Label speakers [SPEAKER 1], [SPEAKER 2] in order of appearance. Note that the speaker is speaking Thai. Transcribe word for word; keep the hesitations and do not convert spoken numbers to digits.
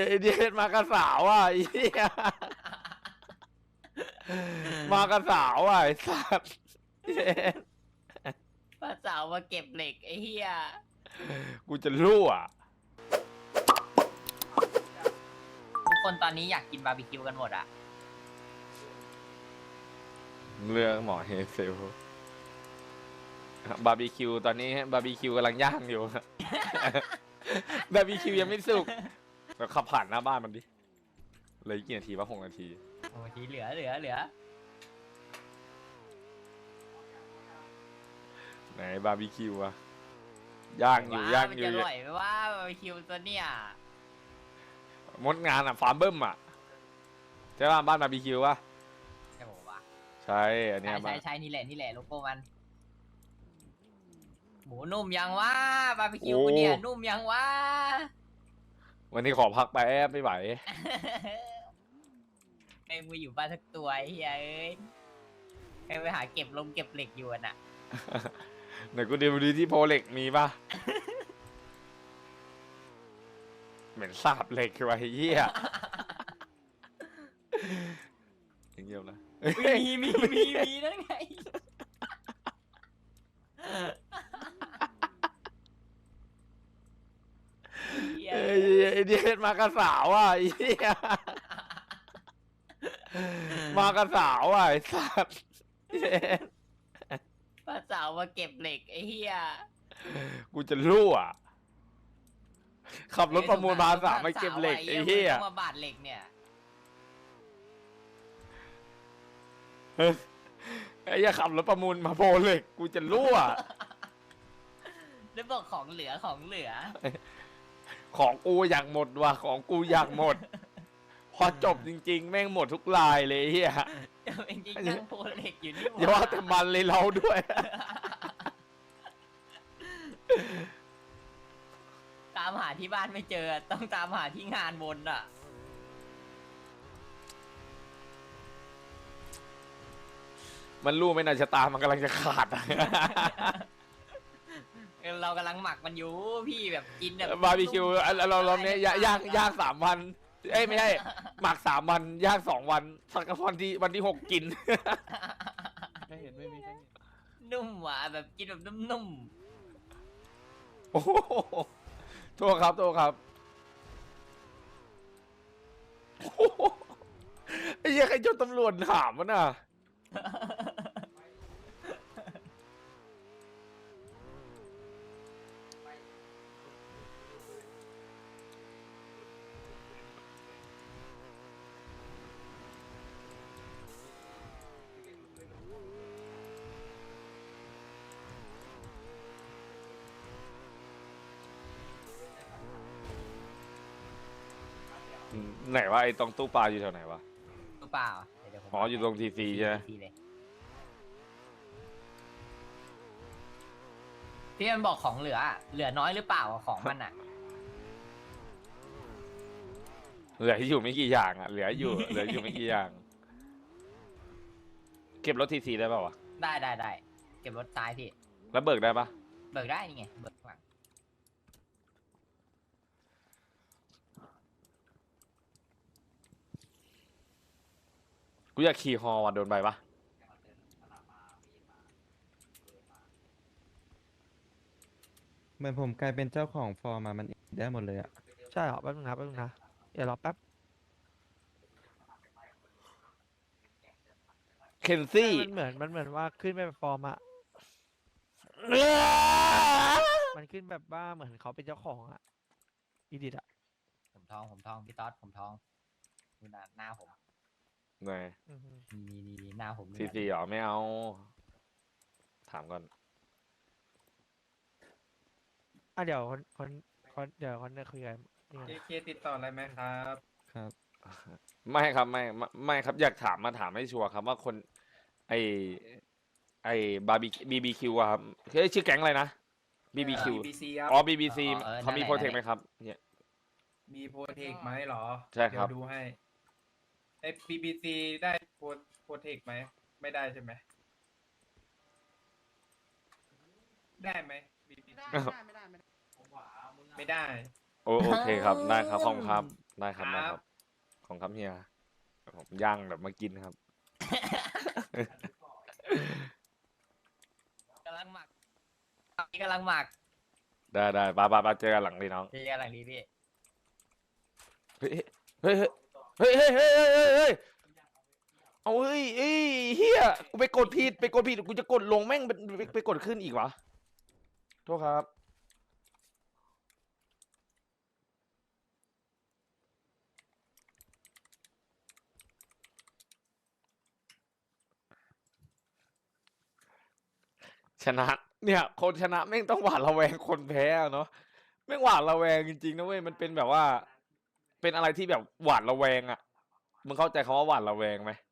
[SPEAKER 1] ไอเดียมากระสาวอ่ะไอ้เหี้ยมากระสาวอ่ะไอ้สัตว์
[SPEAKER 2] ป้าสาวมาเก็บเหล็กไอ้เหี้ย
[SPEAKER 1] กูจะรั่ว
[SPEAKER 2] ทุกคนตอนนี้อยากกินบาร์บีคิวกันหมดอะ
[SPEAKER 1] เรื่องหมอเฮเซลบาร์บีคิวตอนนี้บาร์บีคิวกำลังย่างอยู่บาร์บีคิวยังไม่สุกเราขับผ่านหน้าบ้านมันดิเลยกี่นาทีวะหกนาที
[SPEAKER 2] โอ้ทีเหลือเหลือเหลือ
[SPEAKER 1] ไหนบาร์บีคิวอะย่างอยู่ย่างอยู่
[SPEAKER 2] มันจะอร่อยไหมว่าบาร์บีคิวตัวเนี้ย
[SPEAKER 1] มดงานอะฟาร์มเบิ้มอะใช่ป่ะบ้านบาร์บีคิวป่ะ
[SPEAKER 2] ใช่ผมว่า
[SPEAKER 1] ใช่อันเนี้ย
[SPEAKER 2] ใช่ใช่นี่แหละนี่แหละโลโก้มันหมูนุ่มยังวะบาร์บีคิวกูเนี่ยนุ่มยังวะ
[SPEAKER 1] วันนี้ขอพักไปแอบไม่ไหว
[SPEAKER 2] ไอ้มืออยู่บ้านสักตัวไอ้เฮ้ยไอ้ไปหาเก็บลงเก็บเหล็กอยู่น่ะ
[SPEAKER 1] ไหนกูดูดีที่โพเล็กมีป่ะเหม็นสาบเหล็กไว้เหี้ยอย่างเงี้ยนะ
[SPEAKER 2] มีมีมีมีนั่นไง
[SPEAKER 1] ไอ้เดียมากระสาวอ่ะไอ้เหี้ยมากระสาวอ่ะไอ้สัตว์
[SPEAKER 2] ป้าสาวมาเก็บเหล็กไอ้เหี้ย
[SPEAKER 1] กูจะรั่วขับรถประมูลมาสามมาเก็บเหล็กไอ้เหี้ย
[SPEAKER 2] มาบาดเหล็กเนี่ย
[SPEAKER 1] ไอ้เหี้ยขับรถประมูลมาโพเหล็กกูจะรั่ว
[SPEAKER 2] แล้วบอกของเหลือของเหลือ
[SPEAKER 1] ของกูอยากหมดว่ะของกูอยากหมดพอจบจริงๆแม่งหมดทุกลายเลยเฮีย
[SPEAKER 2] จริงๆนั่งโพเหล็กอยู่นี่
[SPEAKER 1] อย่าว่าแต่มันเลยเราด้วย
[SPEAKER 2] ตามหาที่บ้านไม่เจอต้องตามหาที่งานบนอ่ะ
[SPEAKER 1] มันรู้ไหมนะชะตามันกำลังจะขาด
[SPEAKER 2] เรากำลังหมักมันอยู่พี่แบบกินแบบ
[SPEAKER 1] บาร์บีคิวเราเราเนี้ยย่างย่างสามวันเอ้ยไม่ใช่หมักสามวันย่างสองวันสักวันที่วันที่หกกิน
[SPEAKER 3] ไม่เห็นไม่มีใครเห็น
[SPEAKER 2] นุ่มหวานแบบกินแบบนุ่ม
[SPEAKER 1] โอ้โหโทษครับโทษครับไอ้เหี้ยใครจนตำรวจถามวะน่ะไหนวะไอ้ตรงตู้ปลาอยู่แถวไหนวะ
[SPEAKER 2] ตู้เปล่า
[SPEAKER 1] อ๋ออยู่ตรงทีซีใช่ไหม
[SPEAKER 2] ที่มันบอกของเหลือเหลือน้อยหรือเปล่าของมันอ่ะ
[SPEAKER 1] เหลืออยู่ไม่กี่อย่างอ่ะเหลืออยู่เหลืออยู่ไม่กี่อย่างเก็บรถทีซีได้ป่าววะ
[SPEAKER 2] ได้ได้ได้เก็บรถซ้ายพี่
[SPEAKER 1] แล้วเบิกได้ปะ
[SPEAKER 2] เบิกได้นี่ไงเบิกหลัง
[SPEAKER 1] กูอยากขี่ฮอวันโดนใบปะ
[SPEAKER 3] เหมือนผมกลายเป็นเจ้าของฟอร์มมามันได้หมดเลยอะ
[SPEAKER 4] ใช่เหรอแป๊บนึงนะแป๊บนึงนะเดี๋ยวรอแป๊บ
[SPEAKER 1] เคนซี่
[SPEAKER 4] มันเหมือนมันเหมือนว่าขึ้นไปฟอร์มอะมันขึ้นแบบว่าเหมือนเขาเป็นเจ้าของอะอีดิทอะ
[SPEAKER 2] ผมทองผมทองพี่ต๊อดผมทองดูหน้าหน้าผม
[SPEAKER 1] ไหน
[SPEAKER 2] มีดีหน้าผม
[SPEAKER 1] ทีซีหรอไม่เอาถามก่อน
[SPEAKER 4] อ่ะเดี๋ยวคนคนคนเดี๋ยวคนจะคุยกัน
[SPEAKER 5] เจเคติดต่ออะไรไหมครับ
[SPEAKER 3] ครับ
[SPEAKER 1] ไม่ครับไม่ไม่ไม่ครับอยากถามมาถามให้ชัวร์ครับว่าคนไอไอบาร์บีบีบีคิวครับเฮ้ยชื่อแก๊งอะไรนะบีบีคิวอ๋อบีบีซีเขามีโปรเทคไหมครับเนี่ย
[SPEAKER 5] มีโปรเทคไหมหรอ
[SPEAKER 1] ใช่ครับ
[SPEAKER 5] เดี๋ยวดูให้ไอบีบีซีได้โปรโปรเทคไหมไม่ได้ใช่ไหมได้ไหมไม่ได้ไม่ได้ไม่ได้ไม่ได้
[SPEAKER 1] โอโอเคครับได้ครับขอบคุณครับได้ครับได้ครับ ของครับเฮียผมย่างแบบมากินครับ
[SPEAKER 2] กำลังหมักตอนนี้กำลังหมัก
[SPEAKER 1] ได้ได้ปาปาปาเจอกันหลังดีน้อง
[SPEAKER 2] เจอกันหลังนี้พี่
[SPEAKER 1] เฮ้ยเฮ้ยเฮ้ยเฮ้ยเฮ้ยเฮ้ยเฮ้ยเฮ้ยเอาเฮ้ยเฮ้ยเฮียกูไปกดผิดไปกดผิดกูจะกดลงแม่งไปไปไปกดขึ้นอีกวะโทษครับชนะเนี่ยคนชนะแม่งต้องหวาดระแวงคนแพ้อะเนาะแม่งหวาดระแวงจริงๆนะเว้ยมันเป็นแบบว่า เป็นอะไรที่แบบหวาดระแวงอ่ะมึงเข้าใจคำว่าหวาดระแวงไหม